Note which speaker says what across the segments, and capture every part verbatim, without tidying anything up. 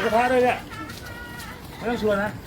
Speaker 1: ระทะด้วยเนี่ยไม่ต้องชวนนะ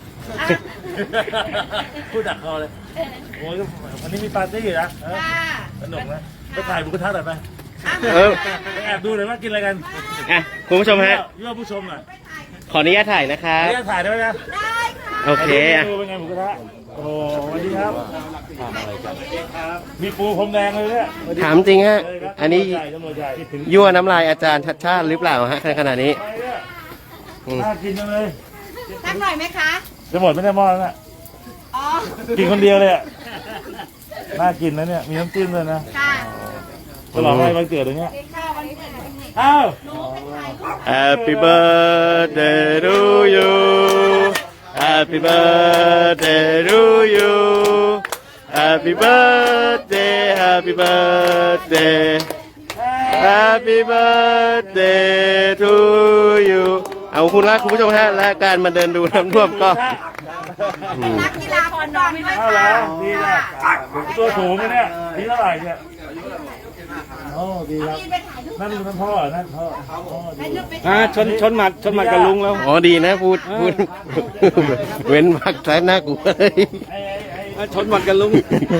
Speaker 1: พูดดักคอเลยโอ้ยวันนี้มีปาร์ตี้นะสนุกนะไปถ่ายหมูกระทะหน่อยไหม
Speaker 2: เออ
Speaker 1: แอบดูหน่อยว่ากินอะไรกัน
Speaker 2: อ่ะคุณผู้ชมฮะ
Speaker 1: ยั่วผู้ชมหน่อย
Speaker 2: ขออนุญาตถ่ายนะคะ
Speaker 1: ขออนุญาตถ่ายได้ไหมนะ
Speaker 3: ได้ค่ะ
Speaker 2: โอเค
Speaker 1: ดูเป็นไงหมูกระทะโอ้สวัสดีครับทำอะไรกันมีปูพรมแดงเลยเนี่ย
Speaker 2: ถามจริงฮะอันนี้ยั่วน้ำลายอาจารย์ชัดชาติหรือเปล่าฮะขนาดนี้
Speaker 1: น่ากินจังเลย
Speaker 3: สักหน่อยไหมคะ
Speaker 1: จะหมดไม่ได้หม้อแล้วนะกินคนเดียวเลยอ่ะน่ากินนะเนี่ยมีน้ำจิ้มเลยนะฉลองอะไรวันเกิดอย่างเงี้ยอ้าว
Speaker 2: Happy birthday to you Happy birthday to you Happy birthday Happy birthday Happy birthday to you เอาคุณละคุณผู้ชมฮะและการมาเดินดูน้ำท่วมก็
Speaker 3: นักกีฬาคนนอนไม่ได้
Speaker 1: แล้วดีนะตัวสูงเนี่ยดีเท่าไหร่เนี่ยโอ้ดีครับนั่นนั่นพ่อนั่นพ่อ
Speaker 4: อ่าชนชนหมัดชนหมัดกับลุงแล้ว
Speaker 2: อ๋อดีนะพูดพูดเว้นมากแท้หน้ากูเลย
Speaker 4: ชนหมัดกับลุง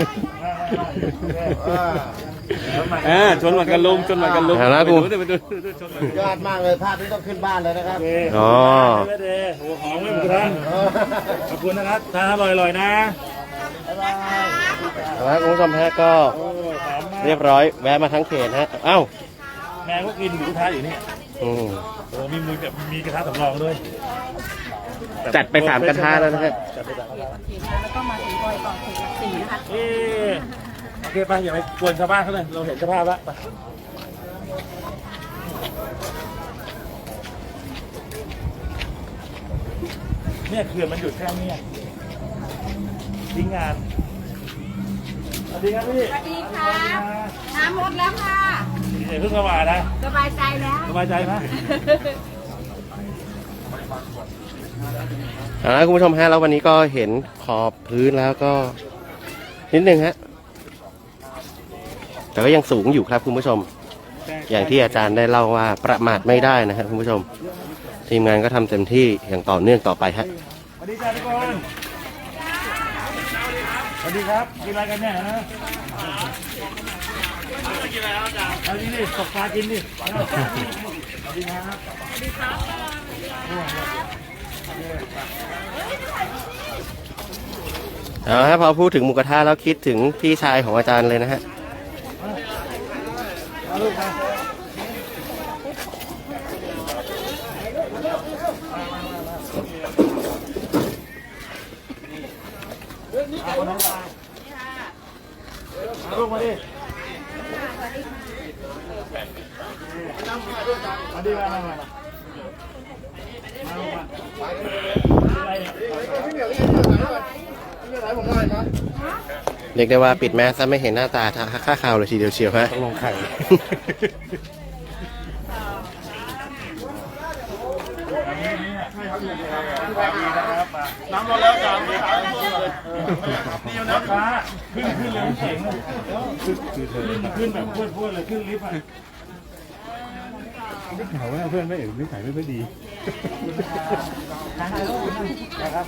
Speaker 4: อ่าชนหมัดกับลุงชนหมัดกับลุง
Speaker 2: นะกู
Speaker 5: ยอดมากเลยภาพนี้ต้องขึ้นบ้านเลยนะครับ
Speaker 2: อ๋อ
Speaker 1: หัวหอมไม่หมดท่านขอบคุณนะครับทานอร่อยๆนะ
Speaker 2: แล้วคุณผู้ชมฮะก็เรียบร้อยแวะมาทั้งเขตฮะเอ้า
Speaker 1: แม่ก็กินหมูกระทะอยู่นี่
Speaker 2: อืม
Speaker 1: โอ้มีมือแบบมีกระทะสำรองด้วย
Speaker 2: จัดไปสามกระทะแล้วนะฮะ
Speaker 3: แล้วก็มาถึงบอยต่อถึงหลักสี่นะคะ
Speaker 1: เออโอเคไปอย่าไปกวนชาวบ้านเขาเลยเราเห็นสภาพแล้วเนี่ยเขื่อนมันหยุดแค่นี้ทิ้งงานสวัสดีครับพี่
Speaker 3: สวัสดีค่ะน้ำลดแล้วค่ะ
Speaker 1: เดี๋ยวเพิ่งเข้ามานะ
Speaker 3: สบายใจแล้ว
Speaker 1: สบายใจไหม
Speaker 2: เอาละคุณผู้ชมฮะแล้ววันนี้ก็เห็นขอบพื้นแล้วก็นิดนึงฮะแต่ก็ยังสูงอยู่ครับคุณผู้ชมอย่างที่อาจารย์ได้เล่าว่าประมาทไม่ได้นะครับคุณผู้ชมทีมงานก็ทำเต็มที่อย่างต่อเนื่องต่อไปฮะ
Speaker 1: สวัสดีจ้าทุกคนสวัสดีครับกินอะไรกันเนี่ยนะกินอะไรครับอาจารย์เอาดิตกปลากินดิสวัสดีครับสวัสดีครับ
Speaker 2: เอาฮะพอพูดถึงหมูกระทะแล้วคิดถึงพี่ชายของอาจารย์เลยนะฮะ
Speaker 1: ลูกมาดิมาดิมามามา
Speaker 2: เรียกได้ว่าปิดแมสซะไม่เห็นหน้าตาค่าข่าวเลยทีเดียวเชียวฮะ
Speaker 1: ลงไข่น้ำร้อนแล้วจ้าไม่ขายเลยนี่มันน้ำฟ้าขึ้นขึ้นเลยเก่งเลยขึ้นขึ้นแบบพูดพูดเลยขึ้นลิฟต์อ่ะไม่ขายว่าเพื่อนไม่เห็นไม่ขายไม่ค่อยดีนะครับ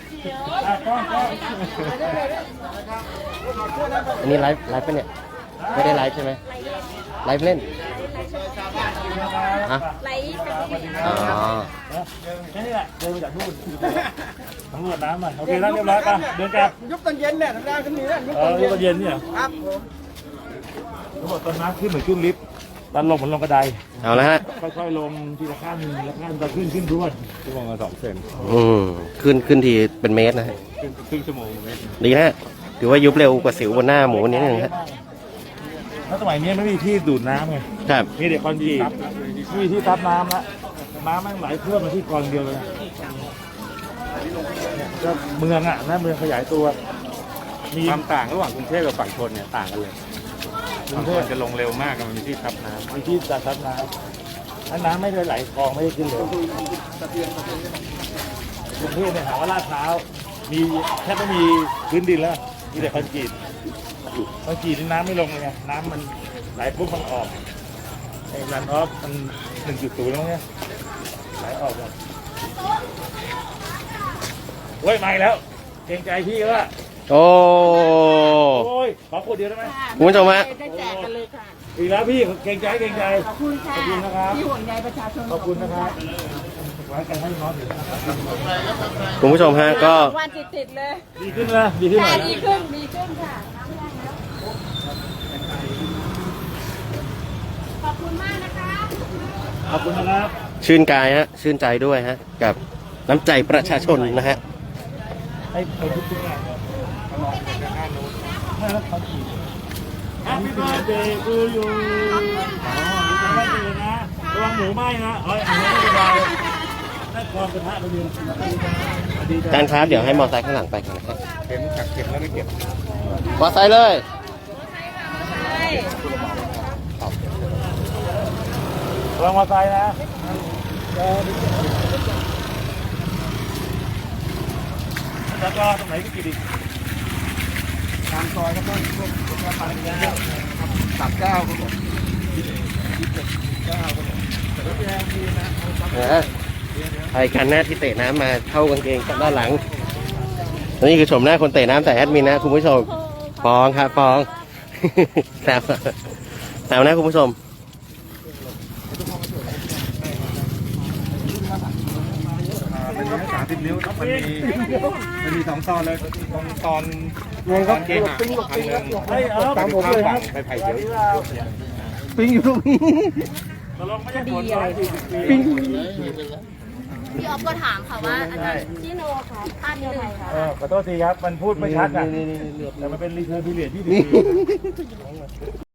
Speaker 2: อันนี้ไลฟ์ไลฟ์ปะเนี่ยไม่ได้ไลฟ์ใช่ไหมไลฟ์เล่นฮะอ๋อ
Speaker 1: แค่นี้แหละเดินมาจากนู่นสำรวจน้ำมาโอเคแล้วเรียบร้อยป่ะเดินกลับ
Speaker 5: ยุบตอนเย็นเนี่ยทำงานขึ้นนี้นะยุบ
Speaker 1: ตอนเย็นเนี่ย
Speaker 5: ครับผม
Speaker 1: เขาบอกตอนน้ำขึ้นเหมือนขึ้นลิฟต์ตอนลงเหมือนลงกระได
Speaker 2: เอาละฮะ
Speaker 1: ค่อยๆลงทีละขั้นละขั้นตอนขึ้นขึ้นทุกวันชั่วโมงละสองเซน
Speaker 2: อืมขึ้นขึ้นทีเป็นเมตรนะฮะ
Speaker 1: ครึ่งชั่วโมง
Speaker 2: ดีฮะถือว่ายุบเร็วกว่าสิวบนหน้าหมูนิดนึงฮะ
Speaker 1: แล้วสมัยนี้ไม่มีที่ดูดน้ำไง
Speaker 2: ครับ
Speaker 1: มีเด็กคอนกรีตไม่มีที่ซับน้ำละน้ำแม่งไหลเพื่อมาที่กรองเดียวเลยก็เมืองอ่ะนะเมืองขยายตัวมีความต่างระหว่างกรุงเทพกับฝั่งทนเนี่ยต่างกันเลยฝั่งทนจะลงเร็วมากมันมีที่ซับน้ำมีที่ซับน้ำถ้าน้ำไม่ได้ไหลคลองไม่ได้ขึ้นเลยกรุงเทพเนี่ยหาว่าลาดพร้าวมีแทบไม่มีพื้นดินแล้วมีแต่คอนกรีตคอนกรีตนี่น้ำไม่ลงเลยไงน้ำมันไหลปุ๊บมันออกไอ้รันออฟมันหนึ่งจุดศูนย์แล้วเนี่ยไหลออกหมดโอ้ยไม่แล้วเกรงใจพี่ก็ว่า
Speaker 2: โอ้
Speaker 1: โอ้ยขอขวดเดียวได้ไหม
Speaker 2: คุณผู้ชมฮะ
Speaker 3: ได้แจกกันเลยค่ะ
Speaker 1: อีกแล้วพี่เกรงใจเกรงใจ
Speaker 3: ขอบคุณค่ะ
Speaker 1: ขอบคุณนะครับ
Speaker 3: ที่ห่วงใยประชาชน
Speaker 1: ขอบคุณนะครับไว้กันให้น้องอยู่นะครับ
Speaker 2: คุณผู้ชมฮะก็
Speaker 3: วันติดติดๆเลย
Speaker 1: ดีขึ้นนะดีขึ้นหน่
Speaker 3: ค่ะ
Speaker 1: อยนะ
Speaker 3: ดีขึ้นดีขึ้นค่ะน้ำแรงแล้วขอบคุณมากนะคะ
Speaker 1: ขอบคุณนะครับ
Speaker 2: ชื่นกายฮะชื่นใจด้วยฮะกับน้ำใจประชาชนนะฮะ
Speaker 1: ให้ไปทุกทุกงานเลยลองไปด้านโน้นให้รับความถี่ Happy birthday to you อ๋อรู้จักไม่ดีนะระวังหมูไหม้นะเอ้ยอันนี้ไม่เป็นไรได้ความกระทะไปดูดีใจ
Speaker 2: การครับเดี๋ยวให้มอไซค์ข้างหลังไปกันนะครับ
Speaker 1: เข็มขัดเข็มแล้วไม่เก็บ
Speaker 2: มอไซค์เลย
Speaker 1: ระวังมอไซค์นะแล้วก็ตรงไหนก็กินอีกตามซอยก็ต้องพวกพวกปลาเนื้อตับเก้าครับผมเก้าครับผมแต่ก็แรงดีนะ
Speaker 2: นะใครกันหน้าที่เตะน้ำมาเข้ากางเกงกับด้านหลัง นี่คือชมหน้าคนเตะน้ำแต่แอดมินนะคุณผู้ชมฟองครับฟองแซวแซวนะคุณผู้ชม
Speaker 1: เป็นร้อยสามสิบนิ้วมันมีมันมีสองตอนเลยตรงตอนตอนเกหักทางเดินตามผมเลยครับไปไผ่เยอะ
Speaker 2: ปิ้งอยู่ตรงนี้
Speaker 1: ตลกไม่ใช่ผลอะไร
Speaker 2: ปิ้ง
Speaker 3: พี่ออฟก็ถามค่ะว่าอาจารย์พี่โนค่ะท่านยังไงคะ
Speaker 1: เออขอโทษทีครับ มันพูดไม่ชัดอ่ะแต่มันเป็นรีเทิร์นพีเรียดที่ดี